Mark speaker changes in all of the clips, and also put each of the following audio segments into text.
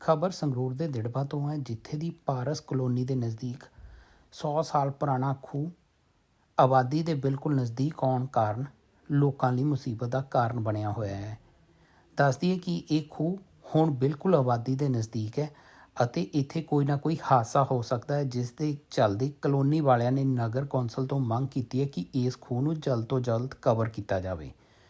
Speaker 1: ਖਬਰ ਸੰਗਰੂਰ ਦੇ ਦਿੜਬਾ ਤੋਂ ਹੈ, ਜਿੱਥੇ ਦੀ ਪਾਰਸ ਕਲੋਨੀ ਦੇ ਨਜ਼ਦੀਕ 100 ਸਾਲ ਪੁਰਾਣਾ ਖੂਹ ਆਬਾਦੀ ਦੇ ਬਿਲਕੁਲ ਨਜ਼ਦੀਕ ਆਉਣ ਕਾਰਨ ਲੋਕਾਂ ਲਈ ਮੁਸੀਬਤ ਦਾ ਕਾਰਨ ਬਣਿਆ ਹੋਇਆ ਹੈ। ਦੱਸ ਦਈਏ ਕਿ ਇਹ ਖੂਹ ਹੁਣ ਬਿਲਕੁਲ ਆਬਾਦੀ ਦੇ ਨਜ਼ਦੀਕ ਹੈ ਅਤੇ ਇੱਥੇ ਕੋਈ ਨਾ ਕੋਈ ਹਾਦਸਾ ਹੋ ਸਕਦਾ ਹੈ, ਜਿਸ ਦੇ ਚੱਲਦੇ ਕਲੋਨੀ ਵਾਲਿਆਂ ਨੇ ਨਗਰ ਕੌਂਸਲ ਤੋਂ ਮੰਗ ਕੀਤੀ ਹੈ ਕਿ ਇਸ ਖੂਹ ਨੂੰ ਜਲਦ ਤੋਂ ਜਲਦ ਕਵਰ ਕੀਤਾ ਜਾਵੇ।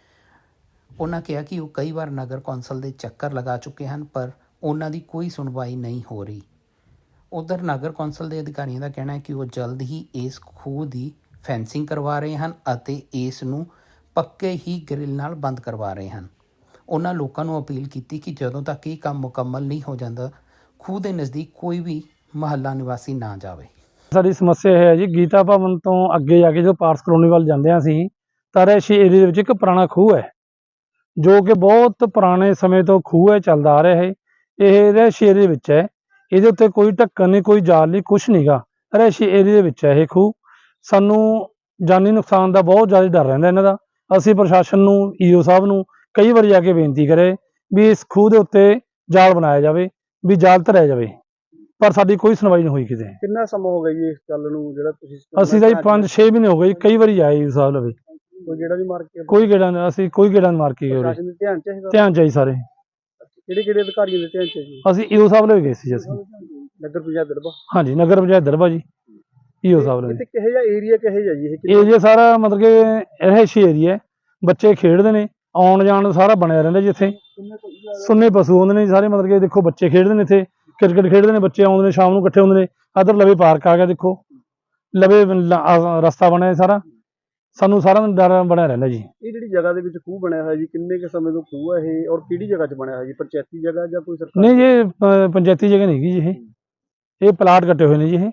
Speaker 1: ਉਹਨਾਂ ਕਿਹਾ ਕਿ ਉਹ ਕਈ ਵਾਰ ਨਗਰ ਕੌਂਸਲ ਦੇ ਚੱਕਰ ਲਗਾ ਚੁੱਕੇ ਹਨ, ਪਰ ਉਹਨਾਂ ਦੀ ਕੋਈ ਸੁਣਵਾਈ ਨਹੀਂ ਹੋ ਰਹੀ। ਉਧਰ ਨਗਰ ਕੌਂਸਲ ਦੇ ਅਧਿਕਾਰੀਆਂ ਦਾ ਕਹਿਣਾ ਹੈ ਕਿ ਉਹ ਜਲਦ ਹੀ ਇਸ ਖੂਹ ਦੀ ਫੈਂਸਿੰਗ ਕਰਵਾ ਰਹੇ ਹਨ ਅਤੇ ਇਸ ਨੂੰ ਪੱਕੇ ਹੀ ਗ੍ਰਿਲ ਨਾਲ ਬੰਦ ਕਰਵਾ ਰਹੇ ਹਨ। ਉਹਨਾਂ ਲੋਕਾਂ ਨੂੰ ਅਪੀਲ ਕੀਤੀ ਕਿ ਜਦੋਂ ਤੱਕ ਇਹ ਕੰਮ ਮੁਕੰਮਲ ਨਹੀਂ ਹੋ ਜਾਂਦਾ, ਖੂਹ ਦੇ ਨਜ਼ਦੀਕ ਕੋਈ ਵੀ ਮਹੱਲਾ ਨਿਵਾਸੀ ਨਾ ਜਾਵੇ।
Speaker 2: ਸਾਡੀ ਸਮੱਸਿਆ ਇਹ ਹੈ ਜੀ, ਗੀਤਾ ਭਵਨ ਤੋਂ ਅੱਗੇ ਜਾ ਕੇ ਜਦੋਂ ਪਾਰਸ ਕਲੋਨੀ ਵੱਲ ਜਾਂਦੇ ਹਾਂ ਅਸੀਂ, ਤਾਂ ਰਿਹਾਇਸ਼ੀ ਏਰੀਏ ਦੇ ਵਿੱਚ ਇੱਕ ਪੁਰਾਣਾ ਖੂਹ ਹੈ, ਜੋ ਕਿ ਬਹੁਤ ਪੁਰਾਣੇ ਸਮੇਂ ਤੋਂ ਖੂਹ ਹੈ, ਚੱਲਦਾ ਆ ਰਿਹਾ ਹੈ। ਇਹ ਰਿਹਾਇਸ਼ੀ ਏਰੀਏ ਵਿੱਚ ਹੈ, ਇਹਦੇ ਉੱਤੇ ਕੋਈ ਢੱਕਣ ਨਹੀਂ, ਕੋਈ ਜਾਲ ਨਹੀਂ, ਕੁਛ ਨਹੀਂਗਾ। ਰਿਹਾਇਸ਼ੀ ਏਰੀਏ ਦੇ ਵਿੱਚ ਹੈ ਇਹ ਖੂਹ। ਸਾਨੂੰ ਜਾਨੀ ਨੁਕਸਾਨ ਦਾ ਬਹੁਤ ਜ਼ਿਆਦਾ ਡਰ ਰਹਿੰਦਾ ਇਹਨਾਂ ਦਾ। ਅਸੀਂ ਪ੍ਰਸ਼ਾਸਨ ਨੂੰ, ਈਓ ਸਾਹਿਬ ਨੂੰ ਕਈ ਵਾਰੀ ਜਾ ਕੇ ਬੇਨਤੀ ਕਰੇ ਵੀ ਇਸ ਖੂਹ ਦੇ ਉੱਤੇ ਜਾਲ ਬਣਾਇਆ ਜਾਵੇ, ਵੀ ਜਾਲ ਧਰਿਆ ਜਾਵੇ, ਪਰ ਸਾਡੀ ਕੋਈ ਸੁਣਵਾਈ ਨਹੀਂ ਹੋਈ ਕਿਤੇ।
Speaker 3: ਕਿੰਨਾ ਸਮਾਂ ਹੋ ਗਿਆ ਜੀ ਇਸ ਗੱਲ ਨੂੰ, ਜਿਹੜਾ ਤੁਸੀਂ
Speaker 2: ਅਸੀਂ ਤਾਂ 5-6 ਮਹੀਨੇ ਹੋ ਗਏ ਜੀ, ਕਈ ਵਾਰੀ ਆਏ ਈਓ ਸਾਹਿਬ ਲਵੇ,
Speaker 3: ਕੋਈ ਗੇੜਾ ਵੀ ਮਾਰ ਕੇ
Speaker 2: ਕੋਈ ਗੇੜਾ ਨਹੀਂ, ਅਸੀਂ ਕੋਈ ਗੇੜਾ ਨਹੀਂ ਮਾਰ ਕੇ ਗਏ।
Speaker 3: ਪ੍ਰਸ਼ਾਸਨ ਦੇ ਧਿਆਨ ਚ ਹੈਗਾ?
Speaker 2: ਧਿਆਨ ਚਾਹੀ ਸਾਰੇ।
Speaker 3: ਕਿਹੜੇ ਅਧਿਕਾਰੀਆਂ ਦੇ ਧਿਆਨ ਚ ਹੈ ਜੀ?
Speaker 2: ਅਸੀਂ ਈਓ ਸਾਹਿਬ ਲਵੇ ਗਏ ਸੀ। ਅਸੀਂ
Speaker 3: ਨਗਰ ਪੰਚਾਇਤ ਦਿੜਬਾ?
Speaker 2: ਹਾਂਜੀ, ਨਗਰ ਪੰਚਾਇਤ ਦਿੜਬਾ ਜੀ, ਈਓ ਸਾਹਿਬ ਲਵੇ।
Speaker 3: ਇੱਥੇ ਕਿਹੋ ਜਿਹਾ ਏਰੀਆ, ਕਿਹੋ ਜਿਹਾ ਜੀ ਇਹ?
Speaker 2: ਏਰੀਆ ਸਾਰਾ ਮਤਲਬ ਕਿ ਰਿਹਾਇਸ਼ੀ ਏਰੀਆ, ਬੱਚੇ ਖੇਡਦੇ ਨੇ, ਆਉਣ ਜਾਣ ਸਾਰਾ ਬਣਿਆ ਰਹਿੰਦਾ ਜੀ। ਇੱਥੇ ਸੁੰਨੇ ਪਸ਼ੂ ਆਉਂਦੇ ਨੇ ਸਾਰੇ, ਮਤਲਬ ਕਿ ਦੇਖੋ ਬੱਚੇ ਖੇਡਦੇ ਨੇ, ਇੱਥੇ ਕ੍ਰਿਕਟ ਖੇਡਦੇ ਨੇ ਬੱਚੇ, ਆਉਂਦੇ ਨੇ ਸ਼ਾਮ ਨੂੰ ਇਕੱਠੇ ਹੁੰਦੇ ਨੇ। ਇੱਧਰ ਲਵੇ ਪਾਰਕ ਆ ਗਿਆ, ਦੇਖੋ ਲਵੇ ਰਸਤਾ ਬਣਿਆ ਸਾਰਾ, ਸਾਨੂੰ ਸਾਰਾ ਦਿਨ ਡਰ ਬਣਿਆ ਰਹਿੰਦਾ ਜੀ।
Speaker 3: ਇਹ ਜਿਹੜੀ ਜਗ੍ਹਾ ਦੇ ਵਿੱਚ ਖੂਹ ਬਣਿਆ ਹੋਇਆ ਜੀ, ਕਿੰਨੇ ਕੁ ਸਮੇਂ ਤੋਂ ਖੂਹ ਹੈ ਇਹ, ਔਰ ਕਿਹੜੀ ਜਗ੍ਹਾ 'ਚ ਬਣਿਆ ਹੋਇਆ ਜੀ? ਪੰਚਾਇਤੀ ਜਗ੍ਹਾ ਜਾਂ ਕੋਈ ਸਰਕਾਰੀ?
Speaker 2: ਨਹੀਂ ਜੀ, ਪੰਚਾਇਤੀ ਜਗ੍ਹਾ ਨਹੀਂ ਹੈਗੀ ਜੀ। ਇਹ ਪਲਾਟ ਕੱਟੇ ਹੋਏ ਨੇ ਜੀ, ਇਹ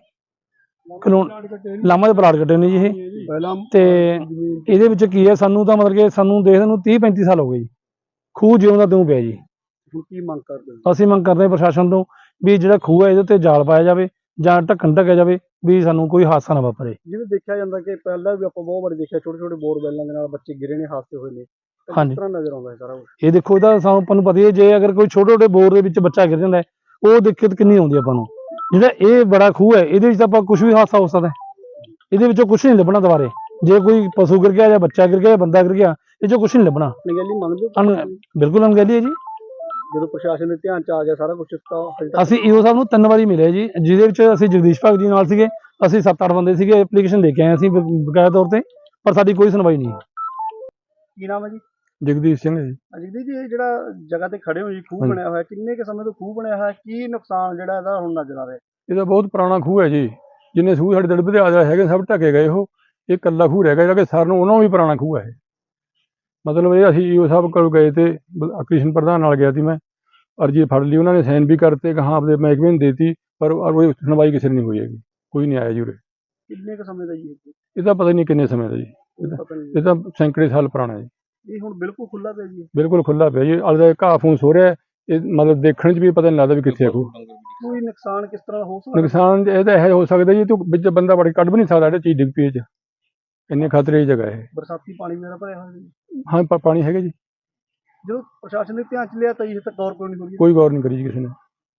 Speaker 2: ਲਾਮਾ ਦੇ ਪਲਾਟ ਕੱਟੇ ਨੇ ਜੀ ਇਹ। ਤੇ ਇਹਦੇ ਵਿੱਚ ਕੀ ਹੈ, ਸਾਨੂੰ ਤਾਂ ਮਤਲਬ ਕਿ ਸਾਨੂੰ ਦੇਖਦੇ ਨੂੰ 30-35 ਸਾਲ ਹੋ ਗਏ ਜੀ, ਖੂਹ ਜਿਉਂ ਦਾ ਤਿਉਂ ਪਿਆ ਜੀ।
Speaker 3: ਹੁਣ ਕੀ ਮੰਗ ਕਰਦੇ ਹੋ?
Speaker 2: ਅਸੀਂ ਮੰਗ ਕਰਦੇ ਹਾਂ ਪ੍ਰਸ਼ਾਸਨ ਤੋਂ ਵੀ ਜਿਹੜਾ ਖੂਹ ਹੈ ਇਹਦੇ ਉੱਤੇ ਜਾਲ ਪਾਇਆ ਜਾਵੇ ਜਾਂ ਢੱਕਣ ਢੱਕਿਆ ਜਾਵੇ, ਵੀ ਸਾਨੂੰ ਕੋਈ ਹਾਦਸਾ ਨਾ ਵਾਪਰੇ।
Speaker 3: ਜਿਵੇਂ ਦੇਖਿਆ ਜਾਂਦਾ ਕਿ ਪਹਿਲਾਂ ਵੀ ਆਪਾਂ ਬਹੁਤ ਵਾਰੀ ਦੇਖਿਆ, ਛੋਟੇ ਛੋਟੇ ਬੋਰਵੈਲਾਂ ਦੇ ਨਾਲ ਬੱਚੇ ਗਿਰੇ ਨੇ, ਹਾਦਸੇ ਹੋਏ ਨੇ।
Speaker 2: ਹਾਂਜੀ,
Speaker 3: ਕਿਸ ਤਰ੍ਹਾਂ ਨਜ਼ਰ ਆਉਂਦਾ ਹੈ ਸਾਰਾ ਕੁਛ?
Speaker 2: ਇਹ ਦੇਖੋ, ਇਹਦਾ ਸਾਨੂੰ ਆਪਾਂ ਨੂੰ ਪਤਾ ਹੀ ਹੈ, ਜੇ ਅਗਰ ਕੋਈ ਛੋਟੇ ਛੋਟੇ ਬੋਰ ਦੇ ਵਿੱਚ ਬੱਚਾ ਗਿਰ ਜਾਂਦਾ ਹੈ, ਉਹ ਦਿੱਕਤ ਕਿੰਨੀ ਆਉਂਦੀ ਆਪਾਂ ਨੂੰ। ਜਿਹੜਾ ਇਹ ਬੜਾ ਖੂਹ ਹੈ, ਇਹਦੇ ਵਿੱਚ ਤਾਂ ਆਪਾਂ ਕੁਝ ਵੀ ਹਾਦਸਾ ਹੋ ਸਕਦਾ, ਇਹਦੇ ਵਿੱਚੋਂ ਕੁਝ ਨਹੀਂ ਲੱਭਣਾ ਦੁਬਾਰੇ। ਜੇ ਕੋਈ ਪਸ਼ੂ ਗਿਰ ਗਿਆ ਜਾਂ ਬੱਚਾ ਗਿਰ ਗਿਆ ਜਾਂ ਬੰਦਾ ਗਿਰ ਗਿਆ, ਇਹ 'ਚੋਂ ਕੁਝ ਨਹੀਂ ਲੱਭਣਾ।
Speaker 3: ਅਣਗਹਿਲੀ ਮੰਨਦੇ ਹੋ?
Speaker 2: ਬਿਲਕੁਲ ਅਣਗਹਿਲੀ ਹੈ ਜੀ।
Speaker 3: ਜਦੋਂ ਪ੍ਰਸ਼ਾਸਨ ਦੇ ਧਿਆਨ 'ਚ ਆ ਗਿਆ ਸਾਰਾ ਕੁਝ,
Speaker 2: ਅਸੀਂ ਈਓ ਸਾਹਿਬ ਨੂੰ 3 ਵਾਰੀ ਮਿਲੇ ਜੀ, ਜਿਹਦੇ ਵਿੱਚ ਅਸੀਂ ਜਗਦੀਸ਼ ਭਗਤ ਜੀ ਨਾਲ ਸੀਗੇ, ਅਸੀਂ 7-8 ਬੰਦੇ ਸੀਗੇ। ਐਪਲੀਕੇਸ਼ਨ ਦੇ ਕੇ ਆਏ ਅਸੀਂ ਬਕਾਇਆ ਤੌਰ ਤੇ, ਪਰ ਸਾਡੀ ਕੋਈ ਸੁਣਵਾਈ ਨਹੀਂ।
Speaker 3: ਕੀ ਨਾਮ ਹੈ ਜੀ?
Speaker 2: ਜਗਦੀਸ਼ ਸਿੰਘ ਜੀ।
Speaker 3: ਅਜੀਤ ਜੀ, ਇਹ ਜਿਹੜਾ ਜਗ੍ਹਾ ਤੇ ਖੜੇ ਹੋ ਜੀ, ਖੂਹ ਬਣਿਆ ਹੋਇਆ, ਕਿੰਨੇ ਕੁ ਸਮੇਂ ਤੋਂ ਖੂਹ ਬਣਿਆ ਹੋਇਆ, ਕੀ ਨੁਕਸਾਨ ਜਿਹੜਾ ਇਹਦਾ ਹੁਣ ਨਜ਼ਰ ਆ ਰਿਹਾ?
Speaker 2: ਇਹਦਾ ਬਹੁਤ ਪੁਰਾਣਾ ਖੂਹ ਹੈ ਜੀ, ਜਿੰਨੇ ਖੂਹ ਸਾਡੇ ਦਿੜਬੇ ਦੇ ਆ ਹੈਗੇ ਸਭ ਢਕੇ ਗਏ। ਇਹ ਇਕੱਲਾ ਖੂਹ ਰਹਿ ਗਿਆ ਜਿਹੜਾ ਕਿ ਸਾਰ ਨੂੰ ਉਹਨਾਂ ਵੀ ਪੁਰਾਣਾ ਖੂਹ ਹੈ। ਮਤਲਬ ਇਹ ਅਸੀਂ ਈਓ ਸਾਹਿਬ ਕੋਲ ਗਏ ਤੇ ਕ੍ਰਿਸ਼ਨ ਪ੍ਰਧਾਨ ਨਾਲ ਗਿਆ ਸੀ ਮੈਂ, ਅਰਜੀ ਫੜ ਲਈ, ਉਹਨਾਂ ਨੇ ਸਾਈਨ ਵੀ ਕਰਤੇ ਕਿ ਹਾਂ ਆਪਦੇ ਮਹਿਕਮੇ ਨੂੰ ਦੇਤੀ, ਪਰ ਉਹ ਸੁਣਵਾਈ ਕਿਸੇ ਨੇ ਨਹੀਂ ਹੋਈ ਹੈਗੀ, ਕੋਈ ਨਹੀਂ ਆਇਆ ਜੀ ਉਰੇ।
Speaker 3: ਕਿੰਨੇ ਕੁ ਸਮੇਂ ਦਾ ਜੀ
Speaker 2: ਇਹਦਾ ਪਤਾ ਨਹੀਂ ਕਿੰਨੇ ਸਮੇਂ ਦਾ ਜੀ, ਇਹ ਤਾਂ ਸੈਂਕੜੇ ਸਾਲ ਪੁਰਾਣਾ ਜੀ।
Speaker 3: ਇਹ ਹੁਣ ਬਿਲਕੁਲ ਖੁੱਲਾ ਪਿਆ ਜੀ?
Speaker 2: ਬਿਲਕੁਲ ਖੁੱਲਾ ਪਿਆ ਜੀ, ਅਲਦਾ ਘਾਹ ਫੂਸ ਹੋ ਰਿਹਾ। ਇਹ ਮਤਲਬ ਦੇਖਣ 'ਚ ਵੀ ਪਤਾ ਨਹੀਂ ਲੱਗਦਾ ਵੀ ਕਿੱਥੇ ਆ ਖੂਹ।
Speaker 3: ਕੋਈ ਨੁਕਸਾਨ ਕਿਸ ਤਰ੍ਹਾਂ ਹੋ ਸਕਦਾ?
Speaker 2: ਨੁਕਸਾਨ ਇਹਦਾ ਇਹ ਹੋ ਸਕਦਾ ਜੀ, ਤੂੰ ਵਿੱਚ ਬੰਦਾ ਵੜ ਕੇ ਕੱਢ ਵੀ ਨਹੀਂ ਸਕਦਾ, ਜਿਹੜੀ ਚੀਜ਼ ਡਿੱਗ ਪਈ 'ਚ, ਇੰਨੇ ਖਤਰੇ ਦੀ ਜਗ੍ਹਾ ਇਹ।
Speaker 3: ਬਰਸਾਤੀ ਪਾਣੀ ਮੇਰਾ ਭਰਿਆ ਹੋਇਆ ਜੀ?
Speaker 2: ਹਾਂ, ਪਾਣੀ ਹੈਗਾ ਜੀ।
Speaker 3: ਜਦੋਂ ਪ੍ਰਸ਼ਾਸਨ ਨੇ ਧਿਆਨ 'ਚ ਲਿਆ ਤਾਂ ਇਹ ਤਾਂ ਗੌਰ ਕੋਈ ਨਹੀਂ ਹੋਈ?
Speaker 2: ਕੋਈ ਗੌਰ ਨਹੀਂ ਕਰੀ ਜੀ ਕਿਸੇ ਨੇ।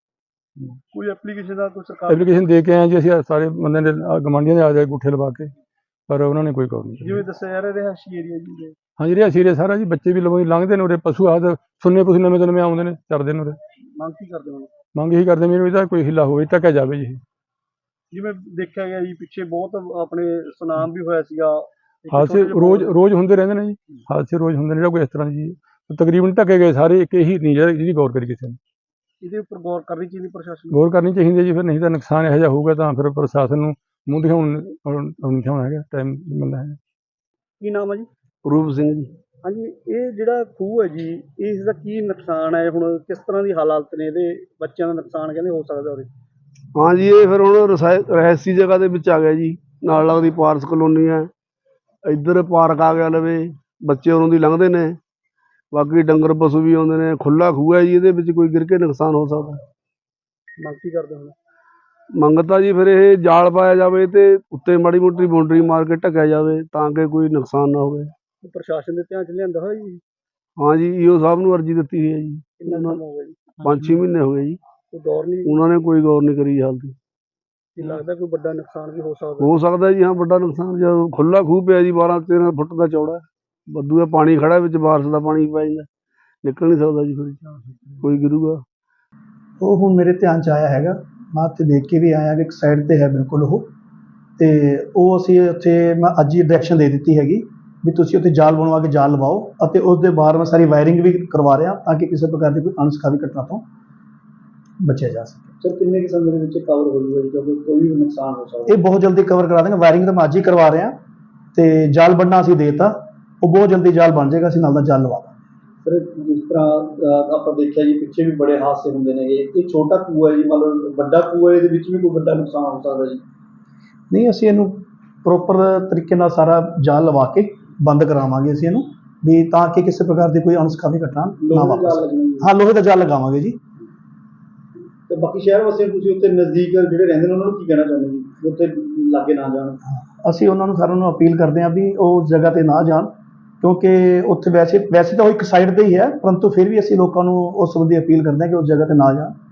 Speaker 3: ਕੋਈ ਐਪਲੀਕੇਸ਼ਨ ਦਾ ਕੋਈ ਸਰਕਾਰ?
Speaker 2: ਐਪਲੀਕੇਸ਼ਨ ਦੇ ਕੇ ਆਏ ਜੀ ਅਸੀਂ, ਸਾਰੇ ਬੰਦਿਆਂ ਦੇ ਗਵਾਂਢੀਆਂ ਦੇ ਆ ਜਾਏ ਗੁੱਠੇ ਲਵਾ ਕੇ, ਪਰ ਉਹਨਾਂ ਨੇ ਕੋਈ ਗੌਰ ਨਹੀਂ।
Speaker 3: ਜਿਵੇਂ ਦੱਸਿਆ ਜਾ ਰਿਹਾ ਰਿਹਾਇਸ਼ੀ ਏਰੀਆ ਜੀ?
Speaker 2: ਹਾਂਜੀ, ਰਿਹਾਇਸ਼ੀ ਏਰੀਆ ਸਾਰਾ ਜੀ, ਬੱਚੇ ਵੀ ਲੰਘਦੇ ਨੇ ਉਰੇ, ਪਸ਼ੂ ਆਦ ਸੁੰਨੇ ਪਸ਼ੂ ਨਵੇਂ ਤੋਂ ਨਵੇਂ ਆਉਂਦੇ ਨੇ, ਚਰਦੇ ਨੇ ਉਰੇ।
Speaker 3: ਮੰਗ ਕੀ ਕਰਦੇ ਹੋ?
Speaker 2: ਮੰਗ ਇਹੀ ਕਰਦੇ ਮੈਨੂੰ ਇਹਦਾ ਕੋਈ ਹਿੱਲਾ ਹੋਵੇ, ਢੱਕਿਆ ਜਾਵੇ ਜੀ।
Speaker 3: ਜਿਵੇਂ ਦੇਖਿਆ ਗਿਆ ਜੀ, ਪਿੱਛੇ ਬਹੁਤ ਆਪਣੇ ਸੁਨਾਮ ਵੀ ਹੋਇਆ ਸੀਗਾ।
Speaker 2: ਹਾਦਸੇ ਰੋਜ਼ ਹੁੰਦੇ ਰਹਿੰਦੇ ਨੇ ਜੀ, ਹਾਦਸੇ ਰੋਜ਼ ਹੁੰਦੇ ਨੇ, ਜਿਹੜਾ ਕੋਈ ਇਸ ਤਰ੍ਹਾਂ ਜੀ ਤਕਰੀਬਨ ਢੱਕੇ ਗਏ ਸਾਰੇ। ਇੱਕ ਇਹੀ ਨਹੀਂ ਜਿਹਦੀ ਗੌਰ ਕਰੀ ਕਿਸੇ ਨੇ।
Speaker 3: ਇਹਦੇ ਉੱਪਰ ਗੌਰ ਕਰਨੀ ਚਾਹੀਦੀ ਪ੍ਰਸ਼ਾਸਨ ਨੂੰ?
Speaker 2: ਗੌਰ ਕਰਨੀ ਚਾਹੀਦੀ ਜੀ, ਫਿਰ ਨਹੀਂ ਤਾਂ ਨੁਕਸਾਨ ਇਹੋ ਜਿਹਾ ਹੋਊਗਾ ਤਾਂ ਫਿਰ ਪ੍ਰਸ਼ਾਸਨ ਨੂੰ ਮੂੰਹ ਦਿਖਾਉਣਾ ਹੈਗਾ, ਟਾਈਮ ਮਿਲਦਾ ਹੈ।
Speaker 3: ਕੀ ਨਾਮ ਹੈ ਜੀ?
Speaker 4: ਰੂਪ ਸਿੰਘ ਜੀ।
Speaker 3: ਹਾਂਜੀ, ਇਹ ਜਿਹੜਾ ਖੂਹ ਹੈ ਜੀ, ਇਸ ਦਾ ਕੀ ਨੁਕਸਾਨ ਹੈ? ਹੁਣ ਕਿਸ ਤਰ੍ਹਾਂ ਦੀ ਹਾਲਾਤ ਨੇ ਇਹਦੇ? ਬੱਚਿਆਂ ਦਾ ਨੁਕਸਾਨ ਕਹਿੰਦੇ ਹੋ ਸਕਦਾ ਉਹਦੇ?
Speaker 4: ਹਾਂ ਜੀ, ਇਹ ਫਿਰ ਹੁਣ ਰਹਿਸੀ ਜਗ੍ਹਾ ਦੇ ਵਿੱਚ ਆ ਗਿਆ ਜੀ, ਨਾਲ ਲੱਗਦੀ ਪਾਰਸ ਕਲੋਨੀ ਹੈ, ਇੱਧਰ ਪਾਰਕ ਆ ਗਿਆ ਲਵੇ, ਬੱਚੇ ਉਰੋਂ ਦੀ ਲੰਘਦੇ ਨੇ, ਬਾਕੀ ਡੰਗਰ ਪਸ਼ੂ ਵੀ ਆਉਂਦੇ ਨੇ। ਖੁੱਲਾ ਖੂਹ ਹੈ ਜੀ, ਇਹਦੇ ਵਿੱਚ ਕੋਈ ਗਿਰ ਕੇ ਨੁਕਸਾਨ ਹੋ ਸਕਦਾ।
Speaker 3: ਮੰਗ ਕੀ ਕਰਦੇ ਹੁਣ?
Speaker 4: ਮੰਗਤਾ ਜੀ ਫਿਰ ਇਹ ਜਾਲ ਪਾਇਆ ਜਾਵੇ ਤੇ ਉੱਤੇ ਮਾੜੀ ਮੋਟੀ ਬਾਉਂਡਰੀ ਮਾਰ ਕੇ ਢੱਕਿਆ ਜਾਵੇ, ਤਾਂ ਕਿ ਕੋਈ ਨੁਕਸਾਨ ਨਾ ਹੋਵੇ।
Speaker 3: ਪ੍ਰਸ਼ਾਸਨ ਦੇ ਧਿਆਨ 'ਚ ਲਿਆਂਦਾ ਹੋਇਆ ਜੀ?
Speaker 4: ਹਾਂ ਜੀ, ਈਓ ਸਾਹਿਬ ਨੂੰ ਅਰਜੀ ਦਿੱਤੀ ਹੋਈ ਹੈ ਜੀ।
Speaker 3: ਕਿੰਨਾ ਸਮਾਂ ਹੋ ਗਿਆ ਜੀ?
Speaker 4: 5-6 ਮਹੀਨੇ ਹੋ ਗਏ ਜੀ।
Speaker 3: ਕੋਈ ਗੌਰ ਨਹੀਂ
Speaker 4: ਉਹਨਾਂ ਨੇ ਕੋਈ ਗੌਰ ਨਹੀਂ ਕਰੀ ਹਾਲ ਦੀ।
Speaker 3: ਕੀ ਲੱਗਦਾ ਕੋਈ ਵੱਡਾ ਨੁਕਸਾਨ ਵੀ ਹੋ ਸਕਦਾ?
Speaker 4: ਹੋ ਸਕਦਾ ਜੀ, ਹਾਂ, ਵੱਡਾ ਨੁਕਸਾਨ। ਜਦੋਂ ਖੁੱਲਾ ਖੂਹ ਪਿਆ ਜੀ 12-13 ਫੁੱਟ ਦਾ ਚੌੜਾ, ਬੱਦੂ ਦਾ ਪਾਣੀ ਖੜਾ ਵਿੱਚ, ਬਾਰਿਸ਼ ਦਾ ਪਾਣੀ ਪੈ ਜਾਂਦਾ, ਨਿਕਲ ਨਹੀਂ ਸਕਦਾ ਜੀ, ਫਿਰ ਕੋਈ ਗਿਰੂਗਾ।
Speaker 5: ਉਹ ਹੁਣ ਮੇਰੇ ਧਿਆਨ 'ਚ ਆਇਆ ਹੈਗਾ, ਮੈਂ ਉੱਥੇ ਦੇਖ ਕੇ ਵੀ ਆਇਆ ਕਿ ਇੱਕ ਸਾਈਡ 'ਤੇ ਹੈ ਬਿਲਕੁਲ ਉਹ, ਅਤੇ ਉਹ ਅਸੀਂ ਉੱਥੇ ਮੈਂ ਅੱਜ ਹੀ ਡਾਇਰੈਕਸ਼ਨ ਦੇ ਦਿੱਤੀ ਹੈਗੀ ਵੀ ਤੁਸੀਂ ਉੱਥੇ ਜਾਲ ਬਣਵਾ ਕੇ ਜਾਲ ਲਵਾਓ, ਅਤੇ ਉਸ ਦੇ ਬਾਹਰ ਮੈਂ ਸਾਰੀ ਵਾਇਰਿੰਗ ਵੀ ਕਰਵਾ ਰਿਹਾ ਤਾਂ ਕਿ ਕਿਸੇ ਪ੍ਰਕਾਰ ਦੀ ਕੋਈ ਅਣਸੁਖਾਵੀ ਘਟਨਾ ਤੋਂ ਬਚਿਆ ਜਾ ਸਕੇ।
Speaker 3: ਸਰ ਕਿੰਨੇ ਕੁ ਸਮੇਂ ਦੇ ਵਿੱਚ ਕਵਰ ਹੋ ਜੂਗਾ ਜੀ, ਕਿਉਂਕਿ ਕੋਈ ਵੀ ਨੁਕਸਾਨ ਹੋ ਸਕਦਾ?
Speaker 5: ਇਹ ਬਹੁਤ ਜਲਦੀ ਕਵਰ ਕਰਾ ਦੇਂਗੇ, ਵਾਇਰਿੰਗ ਤਾਂ ਮੈਂ ਅੱਜ ਹੀ ਕਰਵਾ ਰਿਹਾ, ਅਤੇ ਜਾਲ ਬਣਨਾ ਅਸੀਂ ਦੇਤਾ, ਉਹ ਬਹੁਤ ਜਲਦੀ ਜਾਲ ਬਣ ਜਾਏਗਾ, ਅਸੀਂ ਨਾਲ ਦਾ ਜਾਲ ਲਵਾ ਦਾਂਗੇ।
Speaker 3: ਸਰ ਜਿਸ ਤਰ੍ਹਾਂ ਆਪਾਂ ਦੇਖਿਆ ਜੀ ਪਿੱਛੇ ਵੀ ਬੜੇ ਹਾਦਸੇ ਹੁੰਦੇ ਨੇ, ਇਹ ਛੋਟਾ ਖੂਹ ਹੈ ਜੀ, ਮਤਲਬ ਵੱਡਾ ਖੂਹ ਹੈ, ਇਹਦੇ ਵਿੱਚ ਵੀ ਕੋਈ ਵੱਡਾ ਨੁਕਸਾਨ ਹੋ ਸਕਦਾ ਜੀ?
Speaker 5: ਨਹੀਂ, ਅਸੀਂ ਇਹਨੂੰ ਪ੍ਰੋਪਰ ਤਰੀਕੇ ਨਾਲ ਸਾਰਾ ਜਾਲ ਲਵਾ ਕੇ ਬੰਦ ਕਰਾਵਾਂਗੇ ਅਸੀਂ ਇਹਨੂੰ, ਵੀ ਤਾਂ ਕਿ ਕਿਸੇ ਪ੍ਰਕਾਰ ਦੀ ਕੋਈ ਅਣਸੁਖਾਵੀ ਘਟਨਾ ਨਾ
Speaker 3: ਲੋਹੇ ਦਾ
Speaker 5: ਵਾਪਰ
Speaker 3: ਜਾਲ
Speaker 5: ਸਕੇ।
Speaker 3: ਲੱਗਣਾ ਜੀ?
Speaker 5: ਹਾਂ, ਲੋਹੇ ਦਾ ਜਾਲ ਲਗਾਵਾਂਗੇ ਜੀ।
Speaker 3: ਤੇ ਬਾਕੀ ਸ਼ਹਿਰ ਵਾਸੀਆਂ ਨੂੰ ਤੁਸੀਂ ਉੱਥੇ ਨਜ਼ਦੀਕ ਜਿਹੜੇ ਰਹਿੰਦੇ ਨੇ ਉਹਨਾਂ ਨੂੰ ਕੀ ਕਹਿਣਾ ਚਾਹੁੰਦੇ ਜੀ, ਵੀ ਉੱਥੇ ਲਾਗੇ ਨਾ ਜਾਣ?
Speaker 5: ਅਸੀਂ ਉਹਨਾਂ ਨੂੰ ਸਾਰਿਆਂ ਨੂੰ ਅਪੀਲ ਕਰਦੇ ਹਾਂ ਵੀ ਉਹ ਜਗ੍ਹਾ 'ਤੇ ਨਾ ਜਾਣ, ਕਿਉਂਕਿ ਉੱਥੇ ਵੈਸੇ ਤਾਂ ਉਹ ਇੱਕ ਸਾਈਡ 'ਤੇ ਹੀ ਹੈ, ਪਰੰਤੂ ਫਿਰ ਵੀ ਅਸੀਂ ਲੋਕਾਂ ਨੂੰ ਉਸ ਸੰਬੰਧੀ ਅਪੀਲ ਕਰਦੇ ਹਾਂ ਕਿ ਉਸ ਜਗ੍ਹਾ 'ਤੇ ਨਾ ਜਾਣ।